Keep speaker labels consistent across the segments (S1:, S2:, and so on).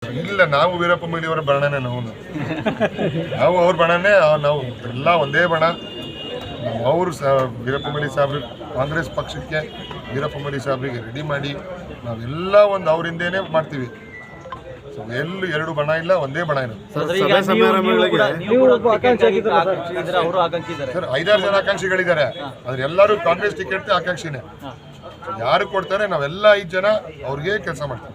S1: ಇಲ್ಲ, ನಾವು ವೀರಪ್ಪ ಮೊಯ್ಲಿಯವರ ಬಣನೇ ನಾವು ಅವ್ರ ಬಣನೇ ನಾವು ಎಲ್ಲ ಒಂದೇ ಬಣ. ಅವರು ವೀರಪ್ಪ ಮೊಯ್ಲಿ ಸಾಹೇಬ್ರಿಗೆ ಕಾಂಗ್ರೆಸ್ ಪಕ್ಷಕ್ಕೆ ವೀರಪ್ಪ ಮೊಯ್ಲಿ ಸಾಹೇಬ್ರಿಗೆ ರೆಡಿ ಮಾಡಿ ನಾವೆಲ್ಲ ಒಂದು ಅವರಿಂದೇನೆ ಮಾಡ್ತೀವಿ. ಸೊ ಎಲ್ಲೂ ಎರಡು ಬಣ ಇಲ್ಲ, ಒಂದೇ ಬಣ ಇರೋದು.
S2: ಸರ್
S1: 5-6 ಜನ ಆಕಾಂಕ್ಷಿಗಳಿದ್ದಾರೆ, ಆದ್ರೆ ಎಲ್ಲರೂ ಕಾಂಗ್ರೆಸ್ ಟಿಕೆಟ್ ಆಕಾಂಕ್ಷಿನೇ. ಯಾರು ಕೊಡ್ತಾರೆ ನಾವೆಲ್ಲ 5 ಜನ ಅವ್ರಿಗೆ ಕೆಲಸ ಮಾಡ್ತೀವಿ.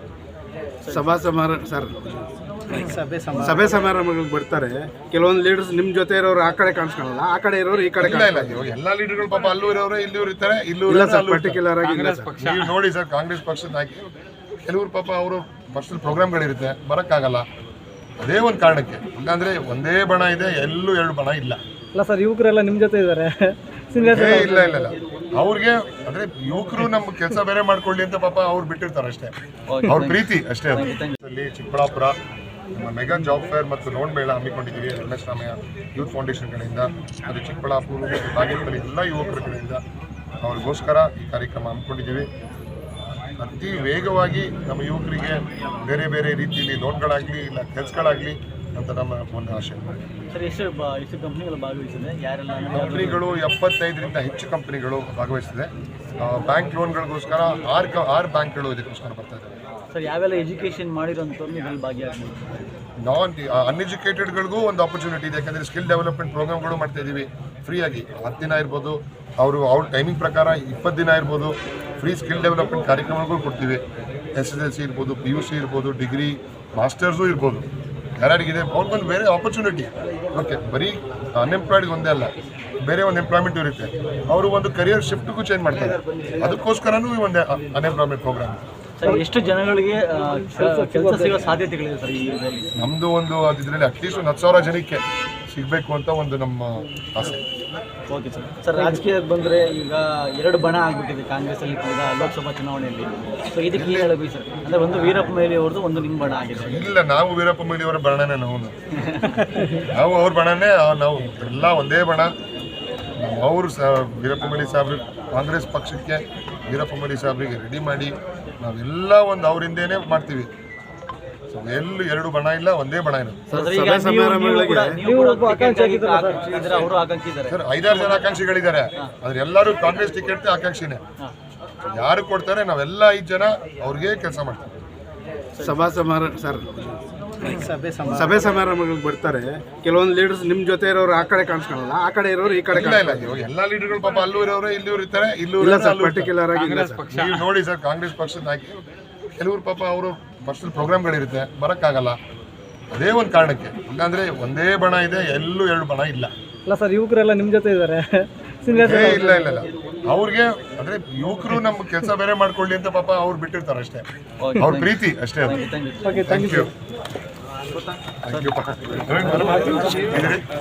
S3: ಸಭೆ ಸಮಾರಂಭಗಳಿಗೆ ಬರ್ತಾರೆ, ಕೆಲವೊಂದು ಲೀಡರ್ಸ್ ನಿಮ್ಮ ಜೊತೆ ಇರೋರು ಆ ಕಡೆ ಕಾಣಿಸ್ಕೊಳ್ಳಲ್ಲ, ಆ ಕಡೆ ಇರೋರು ಈ ಕಡೆ
S1: ಇಲ್ಲ. ಇವಾಗ ಎಲ್ಲ ಲೀಡರ್ಗಳು ಪಾಪ ಅಲ್ಲೂ ಇರೋರು ಇಲ್ಲೂ ಇರ್ತಾರೆ, ಇಲ್ಲೂ
S3: ಪರ್ಟಿಕ್ಯುಲರ್ ಆಗಿ
S1: ನೀವು ನೋಡಿ ಸರ್, ಕಾಂಗ್ರೆಸ್ ಪಕ್ಷದ ಹಾಕಿ ಕೆಲವರು ಪಾಪ ಅವರು ಪರ್ಸನಲ್ ಪ್ರೋಗ್ರಾಮ್ಗಳಿರುತ್ತೆ, ಬರೋಕ್ಕಾಗಲ್ಲ. ಅದೇ ಒಂದು ಕಾರಣಕ್ಕೆ. ಇಲ್ಲಾಂದ್ರೆ ಒಂದೇ ಬಣ ಇದೆ, ಎಲ್ಲೂ ಎರಡು ಬಣ ಇಲ್ಲ.
S2: ಇಲ್ಲ ಸರ್, ಯುವಕರೆಲ್ಲ ನಿಮ್ಮ ಜೊತೆ ಇದ್ದಾರೆ.
S1: ಇಲ್ಲ ಅವ್ರಿಗೆ ಅಂದ್ರೆ ಯುವಕರು ನಮ್ಮ ಕೆಲಸ ಬೇರೆ ಮಾಡ್ಕೊಳ್ಳಿ ಅಂತ ಪಾಪ ಅವ್ರು ಬಿಟ್ಟಿರ್ತಾರೆ ಅಷ್ಟೇ, ಅವ್ರ ಪ್ರೀತಿ ಅಷ್ಟೇ. ಅಲ್ಲಿ ಚಿಕ್ಕಬಳ್ಳಾಪುರ ನಮ್ಮ ಮೆಗಾ ಜಾಬ್ ಫೇರ್ ಮತ್ತು ಲೋನ್ ಮೇಳ ಹಮ್ಮಿಕೊಂಡಿದ್ದೀವಿ ರಮೇಶ್ ರಾಮಯ್ಯ ಯೂತ್ ಫೌಂಡೇಶನ್ ಕಡೆಯಿಂದ. ಅದು ಚಿಕ್ಕಬಳ್ಳಾಪುರ ಬಾಗೇಪಲ್ಲಿ ಎಲ್ಲ ಯುವಕರ ಕಡೆಯಿಂದ ಅವ್ರಿಗೋಸ್ಕರ ಈ ಕಾರ್ಯಕ್ರಮ ಹಮ್ಮಿಕೊಂಡಿದ್ದೀವಿ. ಅತಿ ವೇಗವಾಗಿ ನಮ್ಮ ಯುವಕರಿಗೆ ಬೇರೆ ಬೇರೆ ರೀತಿಯಲ್ಲಿ ಲೋನ್ಗಳಾಗಲಿ ಇಲ್ಲ ಕೆಲಸಗಳಾಗಲಿ ಅಂತ ನಮ್ಮ ಒಂದು ಆಶೆ. ಕಂಪ್ನಿಗಳು 75ರಿಂದ ಹೆಚ್ಚು ಕಂಪ್ನಿಗಳು ಭಾಗವಹಿಸಿದೆ. ಬ್ಯಾಂಕ್ ಲೋನ್ಗಳಿಗೋಸ್ಕರ 6 ಬ್ಯಾಂಕ್ಗಳು ಇದಕ್ಕೋಸ್ಕರ ಬರ್ತಾ ಇದ್ದಾರೆ.
S2: ಸರ್, ಯಾವೆಲ್ಲ ಎಜುಕೇಷನ್ ಮಾಡಿರೋಂಥವ್ರು ಭಾಗಿಯಾಗಿ
S1: ಅನ್ಎಜುಕೇಟೆಡ್ಗಳಿಗೂ ಒಂದು ಆಪರ್ಚುನಿಟಿ ಇದೆ. ಯಾಕಂದರೆ ಸ್ಕಿಲ್ ಡೆವಲಪ್ಮೆಂಟ್ ಪ್ರೋಗ್ರಾಮ್ಗಳು ಮಾಡ್ತಾ ಇದ್ದೀವಿ ಫ್ರೀಯಾಗಿ. 10 ದಿನ ಇರ್ಬೋದು, ಅವ್ರ ಟೈಮಿಂಗ್ ಪ್ರಕಾರ 20 ದಿನ ಇರ್ಬೋದು, ಫ್ರೀ ಸ್ಕಿಲ್ ಡೆವಲಪ್ಮೆಂಟ್ ಕಾರ್ಯಕ್ರಮಗಳು ಕೊಡ್ತೀವಿ. SSLC ಇರ್ಬೋದು, PUC ಇರ್ಬೋದು, ಡಿಗ್ರಿ ಮಾಸ್ಟರ್ಸು ಇರ್ಬೋದು. ಯಾರ್ಯಾರಿಗಿದೆ ಅವ್ರಿಗೊಂದು ಬೇರೆ ಆಪರ್ಚುನಿಟಿ. ಓಕೆ, ಬರೀ ಅನ್ಎಂಪ್ಲಾಯ್ಡ್ಗೆ ಒಂದೇ ಅಲ್ಲ, ಬೇರೆ ಒಂದು ಎಂಪ್ಲಾಯ್ಮೆಂಟ್ ಇರುತ್ತೆ. ಅವರು ಒಂದು ಕರಿಯರ್ ಶಿಫ್ಟ್ಗೂ ಚೇಂಜ್ ಮಾಡ್ತಾರೆ. ಅದಕ್ಕೋಸ್ಕರನೂ ಒಂದು ಅನ್ಎಂಪ್ಲಾಯ್ಮೆಂಟ್ ಪ್ರೋಗ್ರಾಮ್.
S2: ಸರ್, ಎಷ್ಟು ಜನಗಳಿಗೆ ಕೆಲಸ ಸಿಗೋ ಸಾಧ್ಯತೆಗಳಿದೆ ಸರ್ ಇದರಲ್ಲಿ?
S1: ನಮ್ಮದು ಒಂದು ಇದರಲ್ಲಿ ಅಟ್ಲೀಸ್ಟ್ ಒಂದು 10,000 ಜನಕ್ಕೆ ಸಿಗಬೇಕು ಅಂತ ಒಂದು ನಮ್ಮ ಆಸೆ.
S2: Okay sir. ಸರ್, ರಾಜಕೀಯಕ್ಕೆ ಬಂದರೆ ಈಗ 2 ಬಣ ಆಗಿಬಿಟ್ಟಿದೆ ಕಾಂಗ್ರೆಸ್ಸಲ್ಲಿ ಕೂಡ ಲೋಕಸಭಾ ಚುನಾವಣೆಯಲ್ಲಿ. ಸೊ ಇದಕ್ಕೆ ಏನು ಹೇಳಬೇಕು ಸರ್? ಅಂದರೆ ಒಂದು ವೀರಪ್ಪ ಮೊಯ್ಲಿ ಅವ್ರದ್ದು, ಒಂದು ನಿಮ್ಮ ಬಣ ಆಗಿದೆ.
S1: ಇಲ್ಲ, ನಾವು ವೀರಪ್ಪ ಮೊಯ್ಲಿಯವರ ಬಣನೇ ನಾವು ಅವ್ರ ಬಣನೇ ನಾವು ಎಲ್ಲ ಒಂದೇ ಬಣ. ಅವರು ವೀರಪ್ಪ ಮೊಯ್ಲಿ ಸಾಹೇಬ್ರಿಗೆ ಕಾಂಗ್ರೆಸ್ ಪಕ್ಷಕ್ಕೆ ವೀರಪ್ಪ ಮೊಯ್ಲಿ ಸಾಹೇಬ್ರಿಗೆ ರೆಡಿ ಮಾಡಿ ನಾವೆಲ್ಲ ಒಂದು ಅವರಿಂದೇನೆ ಮಾಡ್ತೀವಿ. ಸೊ ಎಲ್ಲೂ ಎರಡು ಬಣ ಇಲ್ಲ, ಒಂದೇ ಬಣ ಇರೋದು.
S2: ಸರ್
S1: 5-6 ಜನ ಆಕಾಂಕ್ಷಿಗಳಿದ್ದಾರೆ, ಆದ್ರೆ ಎಲ್ಲರೂ ಕಾಂಗ್ರೆಸ್ ಟಿಕೆಟ್ ಆಕಾಂಕ್ಷಿನೇ. ಯಾರು ಕೊಡ್ತಾರೆ ನಾವೆಲ್ಲ 5 ಜನ ಅವ್ರಿಗೆ ಕೆಲಸ ಮಾಡ್ತೀವಿ.
S3: ಸಭೆ ಸಮಾರಂಭಗಳಿಗೆ ಬರ್ತಾರೆ, ಕೆಲವೊಂದು ಲೀಡರ್ಸ್ ನಿಮ್ಮ ಜೊತೆ ಇರೋರು ಆ ಕಡೆ ಕಾಣಿಸ್ಕೊಳ್ಳಲ್ಲ, ಆ ಕಡೆ ಇರೋರು ಈ ಕಡೆ
S1: ಇಲ್ಲ. ಇವಾಗ ಎಲ್ಲ ಲೀಡರ್ಗಳು ಪಾಪ ಅಲ್ಲೂ ಇರೋರು ಇಲ್ಲೂ ಇರ್ತಾರೆ, ಇಲ್ಲೂ
S3: ಪರ್ಟಿಕ್ಯುಲರ್ ಆಗಿ
S1: ನೀವು ನೋಡಿ ಸರ್, ಕಾಂಗ್ರೆಸ್ ಪಕ್ಷದ ಹಾಕಿ ಕೆಲವರು ಪಾಪ ಅವರು ಪರ್ಸನಲ್ ಪ್ರೋಗ್ರಾಮ್ಗಳಿರುತ್ತೆ, ಬರೋಕ್ಕಾಗಲ್ಲ. ಅದೇ ಒಂದು ಕಾರಣಕ್ಕೆ. ಇಲ್ಲಾಂದ್ರೆ ಒಂದೇ ಬಣ ಇದೆ, ಎಲ್ಲೂ ಎರಡು ಬಣ ಇಲ್ಲ.
S2: ಇಲ್ಲ ಸರ್, ಯುವಕರೆಲ್ಲ ನಿಮ್ಮ ಜೊತೆ ಇದ್ದಾರೆ.
S1: ಇಲ್ಲ ಅವ್ರಿಗೆ ಅಂದ್ರೆ ಯುವಕರು ನಮ್ಮ ಕೆಲಸ ಬೇರೆ ಮಾಡ್ಕೊಳ್ಳಿ ಅಂತ ಪಾಪ ಅವ್ರು ಬಿಟ್ಟಿರ್ತಾರೆ ಅಷ್ಟೇ, ಅವ್ರ ಪ್ರೀತಿ ಅಷ್ಟೇ. Thank you.